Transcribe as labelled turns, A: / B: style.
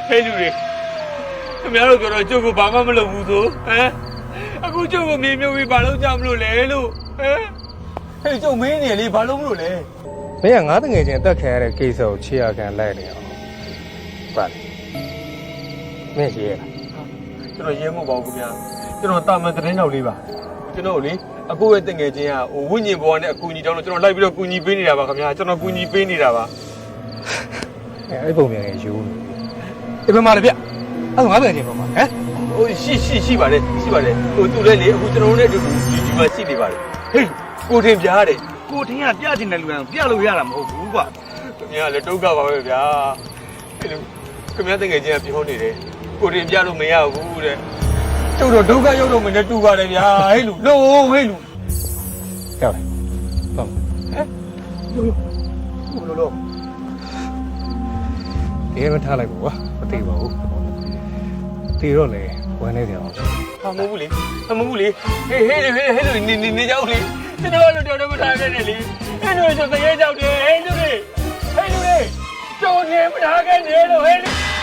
A: ဟဲ့လူတွေခင်ဗျားတို့ကတော့ကျုပ်ကိုဘာမှမလုပ်ဘူးဆိုဟမ်အခုကျုပ်ကိုမြေမြုပ်ပြီးဘာလို့ကြမလို့လဲလို့ဟမ်ဟဲ့ကျုပ်မင်းနေလေဘာလို့မလို့လဲ
B: မင်းကငါတငယ်ချင်းတက်ခံရတဲ့ကိစ္စကိုချေရခံလိုက်နေအောင်ပါမင်းရေးရ
A: ကျွန်တော်ရဲမဟုတ်ပါဘူးခင်ဗျာကျွန်တော်တာမန်သတင်းတော်လေးပါကျွန်တော်လေအကိုရဲ့တငယ်ချင်းကဟိုဝိညာဉ်ဘဝနဲ့အကူအညီတောင်းလို့ကျွန်တော်လိုက်ပြီးတော့ကူညီပေးနေတာပါခင်ဗျာကျွန်တော်ကူညီပေးနေတာပါ
B: အဲ့ပုံမြန်ယူနေဒီဘက်မှာလေဗျအဲ့ငါတငယ်ချင်းပုံမှာဟမ်
A: ဟိုရှိပါတယ်ဟိုသူလည်းလေအခုကျွန်တော်တို့နဲ့အတူတူဒီမှာရှိနေပါတယ်ဟေးကိုထင်ပြားတယ်
C: ကိုထင်းကပြချင်တဲ့လူကပြလို့ရတာမဟုတ်ဘူးကွာ
A: ခင်ဗျာလည်းတုတ်ကပါပဲဗျာအဲ့လိုခင်ဗျာတကယ်ချင်းကပြောနေတယ်ကိုတင်ပြလို့မရဘူးတဲ့ကျုပ်တော့ဒုက္ခရောက်တော့မနဲ့တူပါတယ်ဗျာဟဲ့လူလုံးဟဲ့လူ
B: ကြောက်တယ်ဟုတ်
A: ဟမ်လို့
B: ဒီမထားလိုက်ဘူးကွာမသိပါဘူးတီတော့လေဝမ်းနေကြအောင်
A: ဟာမဟုတ်ဘူးလေမဟုတ်ဘူးလေဟေးလူနေကြောက်လေကျွန်တော်တို့တော်တော်မထားခဲ့နဲ့လေအဲ့လိုဆိုတကယ်ကြောက်တယ်ဟဲ့လူတွေကျုံနေမထားခဲ့နဲ့လို့ဟဲ့